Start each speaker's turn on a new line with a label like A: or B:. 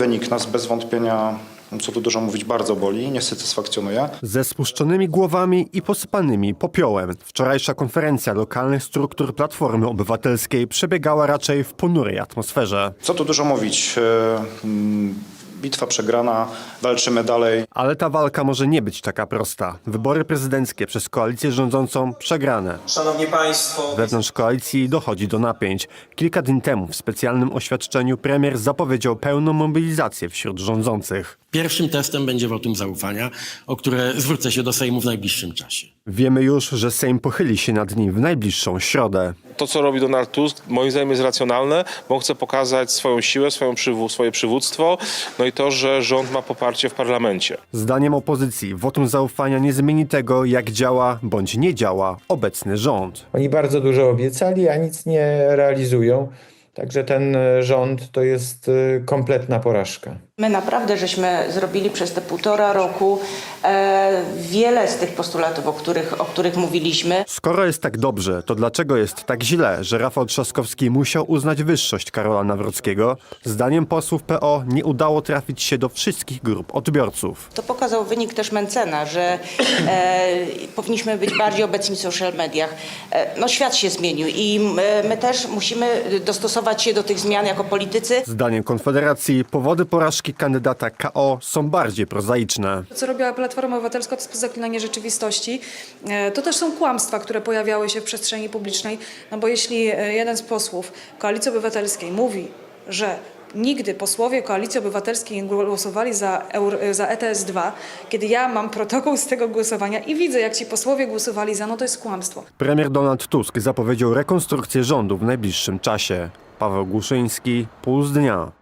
A: wynik nas bez wątpienia, co tu dużo mówić, bardzo boli, nie satysfakcjonuje.
B: Ze spuszczonymi głowami i posypanymi popiołem. Wczorajsza konferencja lokalnych struktur Platformy Obywatelskiej przebiegała raczej w ponurej atmosferze.
A: Co tu dużo mówić, bitwa przegrana, walczymy dalej.
B: Ale ta walka może nie być taka prosta. Wybory prezydenckie przez koalicję rządzącą przegrane.
C: Szanowni Państwo,
B: Wewnątrz koalicji dochodzi do napięć. Kilka dni temu w specjalnym oświadczeniu premier zapowiedział pełną mobilizację wśród rządzących.
D: Pierwszym testem będzie wotum zaufania, o które zwrócę się do Sejmu w najbliższym czasie.
B: Wiemy już, że Sejm pochyli się nad nim w najbliższą środę.
E: To, co robi Donald Tusk, moim zdaniem jest racjonalne, bo on chce pokazać swoją siłę, swoje przywództwo, no i to, że rząd ma poparcie w parlamencie.
B: Zdaniem opozycji wotum zaufania nie zmieni tego, jak działa bądź nie działa obecny rząd.
F: Oni bardzo dużo obiecali, a nic nie realizują. Także ten rząd to jest kompletna porażka.
G: My naprawdę żeśmy zrobili przez te 1,5 roku wiele z tych postulatów, o których mówiliśmy.
B: Skoro jest tak dobrze, to dlaczego jest tak źle, że Rafał Trzaskowski musiał uznać wyższość Karola Nawrockiego? Zdaniem posłów PO nie udało trafić się do wszystkich grup odbiorców.
G: To pokazał wynik też Mencena, że powinniśmy być bardziej obecni w social mediach. No świat się zmienił i my też musimy dostosować się do tych zmian jako politycy.
B: Zdaniem Konfederacji powody porażki kandydata KO są bardziej prozaiczne.
H: Co robiła Platforma Obywatelska, to jest zaklinanie rzeczywistości. To też są kłamstwa, które pojawiały się w przestrzeni publicznej, no bo jeśli jeden z posłów Koalicji Obywatelskiej mówi, że nigdy posłowie Koalicji Obywatelskiej nie głosowali za ETS-2, kiedy ja mam protokół z tego głosowania i widzę, jak ci posłowie głosowali za, no to jest kłamstwo.
B: Premier Donald Tusk zapowiedział rekonstrukcję rządu w najbliższym czasie. Paweł Głuszyński, Puls Dnia.